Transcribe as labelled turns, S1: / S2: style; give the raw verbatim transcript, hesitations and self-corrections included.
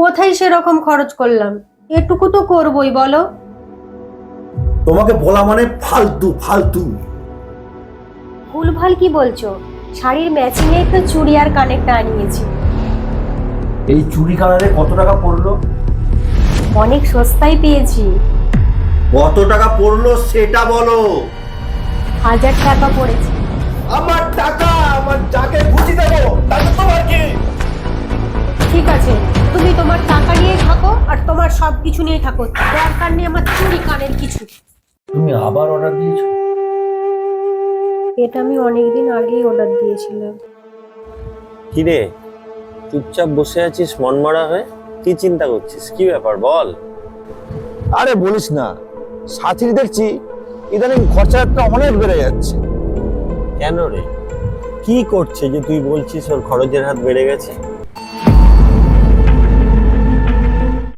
S1: কোথায় সেরকম খরচ করলাম? এটুকু তো করবই, বলো।
S2: তোমাকে বলা মানে ফালতু ফালতু।
S1: ভুলভাল কি বলছো? শাড়ির ম্যাচিং এ তো চুড়ি আর কানেরটা আনিয়েছি।
S2: এই চুড়ি কানারে কত টাকা পড়লো?
S1: অনেক সস্তায় পেয়েছি।
S2: কত টাকা পড়লো সেটা বলো।
S1: হাজার টাকা পড়েছে।
S2: আমার টাকা আমার যাকে খুশি দেবো, তাতে তোমার কি?
S1: ঠিক আছে, তুমি তোমার টাকা নিয়ে থাকো আর তোমার সব কিছু নিয়ে থাকো, দরকার নেই আমার চুড়ি কানের কিছু।
S2: তুমি আবার অর্ডার দিয়েছো?
S1: এটা আমি অনেকদিন আগেই অর্ডার দিয়েছিলাম।
S3: কিরে, চুপচাপ বসে আছিস মনমরা হয়ে? কি চিন্তা করছিস? কি ব্যাপার বল।
S4: আরে বলিস না, সাথীর দেখছি ইদানিং খরচাটা অনেক বেড়ে যাচ্ছে।
S3: কেন রে, কি করছে যে তুই বলছিস ওর খরচের হাত বেড়ে গেছে?